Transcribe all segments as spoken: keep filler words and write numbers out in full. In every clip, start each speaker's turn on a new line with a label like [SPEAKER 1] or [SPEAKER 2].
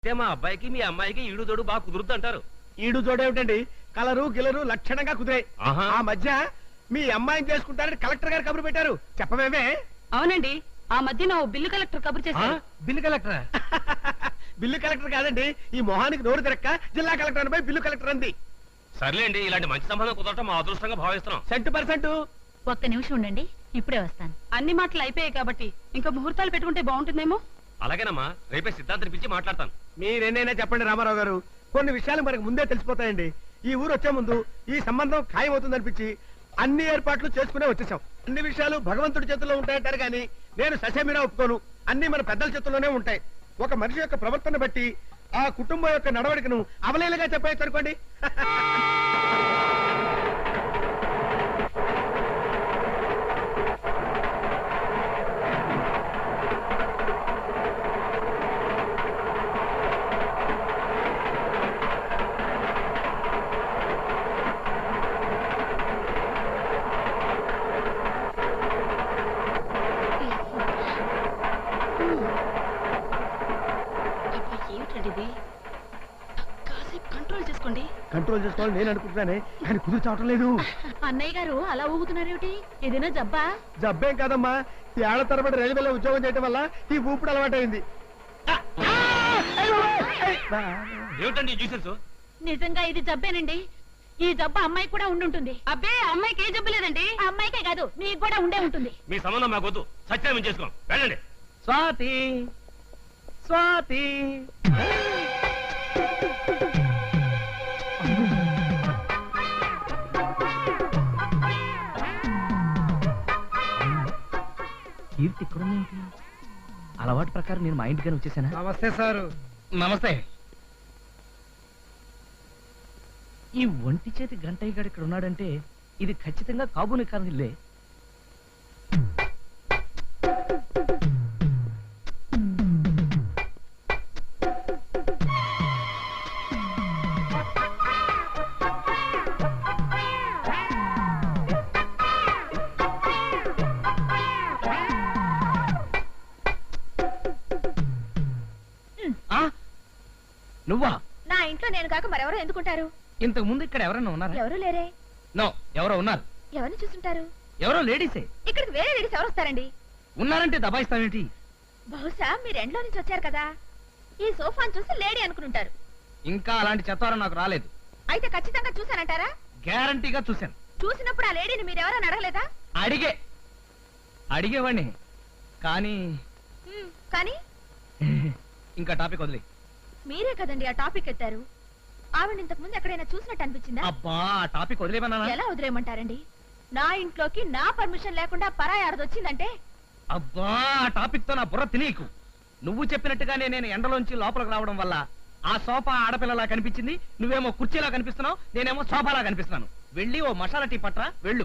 [SPEAKER 1] మా అబ్బాయికి మీ అమ్మాయికి ఈడు జోడు బాగా కుదురుద్దు అంటారు.
[SPEAKER 2] ఈడు జోడు ఏమిటండి, కలరు గిలరు లక్షణంగా కుదిరాయి. ఆ మధ్య మీ అమ్మాయిని చేసుకుంటారని కలెక్టర్ గారు కబురు పెట్టారు, చెప్పమేమే?
[SPEAKER 3] అవునండి, ఆ మధ్య నా బిల్లు కలెక్టర్ కబురు చేశారు.
[SPEAKER 2] Bill collector? బిల్లు కలెక్టర్ కాదండి, ఈ మొహానికి నోరు తిరక్క జిల్లా కలెక్టర్ అని బిల్లు కలెక్టర్ అంది.
[SPEAKER 1] సర్లేండి, ఇలాంటి మంచి సంబంధం కుదరటం మా అదృష్టంగా భావిస్తున్నాం.
[SPEAKER 2] Cent percent.
[SPEAKER 3] ఒక్క నిమిషం ఉండండి, ఇప్పుడే వస్తాను. అన్ని మాటలు అయిపోయాయి కాబట్టి ఇంకా ముహూర్తాలు పెట్టుకుంటే బాగుంటుందేమో.
[SPEAKER 1] అలాగేనమ్మా, రేపే సిద్ధాంతం పిలిచి మాట్లాడతాను.
[SPEAKER 2] మీరేనైనా చెప్పండి రామారావు గారు, కొన్ని విషయాలు మనకు ముందే తెలిసిపోతాయండి. ఈ ఊరు వచ్చే ముందు ఈ సంబంధం ఖాయమవుతుంది అనిపించి అన్ని ఏర్పాట్లు చేసుకునే వచ్చేసాం. అన్ని విషయాలు భగవంతుడి చేతుల్లో ఉంటాయంటారు కానీ నేను ససేమిరా ఒప్పుకోను. అన్ని మన పెద్దల చేతుల్లోనే ఉంటాయి. ఒక మనిషి యొక్క ప్రవర్తన బట్టి ఆ కుటుంబం యొక్క నడవడికను అవలేలుగా చెప్పేయచ్చు అనుకోండి.
[SPEAKER 3] కంట్రోల్ చేసుకోండి.
[SPEAKER 2] కంట్రోల్ చేసుకోవాలి నేను అనుకుంటున్నానే, కానీ కుదురు చావటం లేదు.
[SPEAKER 3] అన్నయ్య గారు అలా ఊగుతున్నారేమిటి? ఏదైనా జబ్బా?
[SPEAKER 2] జబ్బేం కాదమ్మా, ఏళ్ల తరబడి రైల్వేలో ఉద్యోగం చేయడం వల్ల ఈ ఊపిడి అలవాటైంది.
[SPEAKER 1] ఏమిటండి జ్యూసెస్?
[SPEAKER 3] నిజంగా ఇది జబ్బేనండి. ఈ జబ్బు అమ్మాయి కూడా ఉండుంటుంది. అబ్బే, అమ్మాయికి ఏ జబ్బు లేదండి. అమ్మాయికే కాదు, మీకు కూడా ఉండే ఉంటుంది.
[SPEAKER 1] మీ సంబంధం మాకు వద్దు, సత్యాన్ని చేసుకోం, వెళ్ళండి.
[SPEAKER 2] స్వాతి స్వాతి
[SPEAKER 4] కీర్తి ఇక్కడుందేంటి? అలవాటు ప్రకారం నేను మా ఇంటికని వచ్చేసానా?
[SPEAKER 2] నమస్తే సారు.
[SPEAKER 4] నమస్తే. ఈ ఒంటి చేతి గంటయ్య గారు ఇక్కడ ఉన్నాడంటే ఇది ఖచ్చితంగా కాబూని కారణిల్లే. నువ్వా?
[SPEAKER 3] నా ఇంట్లో నేను కాక మరెవరో ఎందుకుంటారు?
[SPEAKER 4] ఇంతకు ముందు ఇక్కడ ఎవరైనా ఉన్నారా?
[SPEAKER 3] ఎవరు లేరే.
[SPEAKER 4] నో, ఎవరో ఉన్నారు.
[SPEAKER 3] ఎవరిని చూస్తుంటారు?
[SPEAKER 4] ఎవరో లేడీసే.
[SPEAKER 3] ఇక్కడికి వేరే లేడీస్ ఎవరు వస్తారండి?
[SPEAKER 4] ఉన్నారంటే దబాయిస్తావేంటి?
[SPEAKER 3] బహుశా మీరు ఎండ్లో నుంచి వచ్చారు కదా, ఈ సోఫాను చూసి లేడీ అనుకుంటారు.
[SPEAKER 4] ఇంకా అలాంటి చెత్తారం నాకు రాలేదు.
[SPEAKER 3] అయితే ఖచ్చితంగా చూసానంటారా?
[SPEAKER 4] గ్యారంటీగా చూశాను.
[SPEAKER 3] చూసినప్పుడు ఆ లేడీని మీరెవరని అడగలేదా?
[SPEAKER 4] అడిగే అడిగేవాడిని కానీ
[SPEAKER 3] కానీ
[SPEAKER 4] ఇంకా టాపిక్ వదిలే.
[SPEAKER 3] మీరే కదండి ఆ టాపిక్ ఎత్తారు. ఆవిడ ఇంతకు ముందు ఎక్కడైనా చూసినట్టు అనిపించిందా?
[SPEAKER 4] అబ్బా, ఆ టాపిక్ వదిలేమన్నా?
[SPEAKER 3] ఎలా వదిలేయమంటారండి? నా ఇంట్లోకి నా పర్మిషన్ లేకుండా పరాయి ఆడది వచ్చిందంటే?
[SPEAKER 4] అబ్బా, ఆ టాపిక్ తో నా బుర్ర తినీకు. నువ్వు చెప్పినట్టుగానే నేను ఎండలోంచి లోపలికి రావడం వల్ల ఆ సోఫా ఆడపిల్లలా కనిపించింది. నువ్వేమో కుర్చీలా కనిపిస్తున్నావు, నేనేమో సోఫాలా కనిపిస్తున్నాను. వెళ్ళి ఓ మసాలా టీ పట్రా, వెళ్ళు.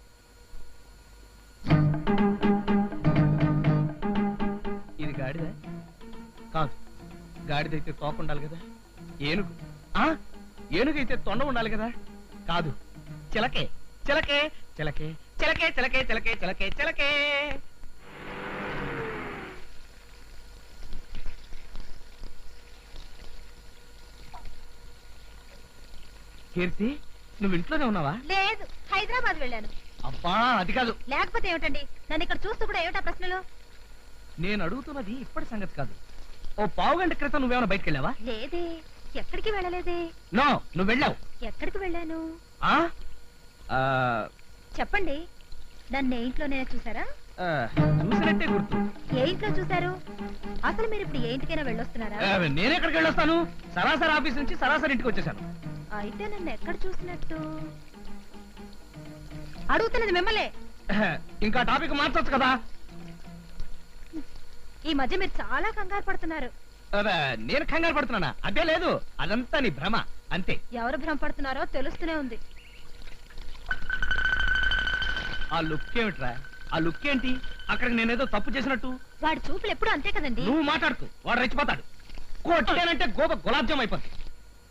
[SPEAKER 4] ఇది గాడిద కాదు. గాడిదైతే తోక ఉండాలి కదా. ఏనుగు ఆ ఏనుగైతే తొండ ఉండాలి కదా. కాదు, చిలకే చిలకే చిలకే చిలకే చిలకే చిలకే చిలకే చిలకే. కీర్తి, నువ్వు ఇంట్లోనే ఉన్నావా?
[SPEAKER 3] లేదు, హైదరాబాద్ వెళ్ళాను.
[SPEAKER 4] అబ్బా, అది కాదు.
[SPEAKER 3] లేకపోతే ఏమిటండి? నన్ను ఇక్కడ చూస్తూ కూడా ఏమిటా ప్రశ్నలు?
[SPEAKER 4] నేను అడుగుతున్నది ఇప్పటి సంగతి కాదు. ఓ పావు గంట క్రితం నువ్వేమైనా బయటకు వెళ్ళావా?
[SPEAKER 3] లేదే, ఎక్కడికి వెళ్ళలేదే.
[SPEAKER 4] నో, నువ్వు వెళ్ళావు.
[SPEAKER 3] ఎక్కడికి వెళ్ళాను?
[SPEAKER 4] ఆ ఆ,
[SPEAKER 3] చెప్పండి. నన్ను ఏ ఇంట్లోనే చూసారా?
[SPEAKER 4] ఆ, చూసినట్టే గుర్తు.
[SPEAKER 3] ఏ ఇంట్లో చూసారు? అసలు మీరు ఇప్పుడు ఏ ఇంటికైనా వెళ్ళొస్తున్నారా?
[SPEAKER 4] ఆ, నేనెక్కడికి వెళ్ళొస్తాను? సరాసరి ఆఫీస్ నుంచి సరాసరి ఇంటికి వచ్చేసాను.
[SPEAKER 3] అయితే నన్ను ఎక్కడ చూసినట్టు? అడుగుతున్నది మిమ్మల్ని.
[SPEAKER 4] ఇంకా టాపిక్ మార్చొచ్చు కదా.
[SPEAKER 3] ఈ మధ్య మీరు చాలా కంగారు పడుతున్నారు.
[SPEAKER 4] అదే, నేను కంగారు పడుతున్నానా? అదే లేదు, అదంతా నీ భ్రమ అంతే.
[SPEAKER 3] ఎవరు భ్రమ పడుతున్నారో తెలుస్తూనే ఉంది.
[SPEAKER 4] ఆ లుక్ ఏమిట్రా? ఆ లుక్ ఏంటి? అక్కడికి నేనేదో తప్పు చేసినట్టు.
[SPEAKER 3] వాడి చూపులు ఎప్పుడు అంతే కదండి.
[SPEAKER 4] నువ్వు మాట్లాడుతూ వాడు రెచ్చిపోతాడు. కొట్టానంటే గోప గులాబ్ జామ్ అయిపోతుంది.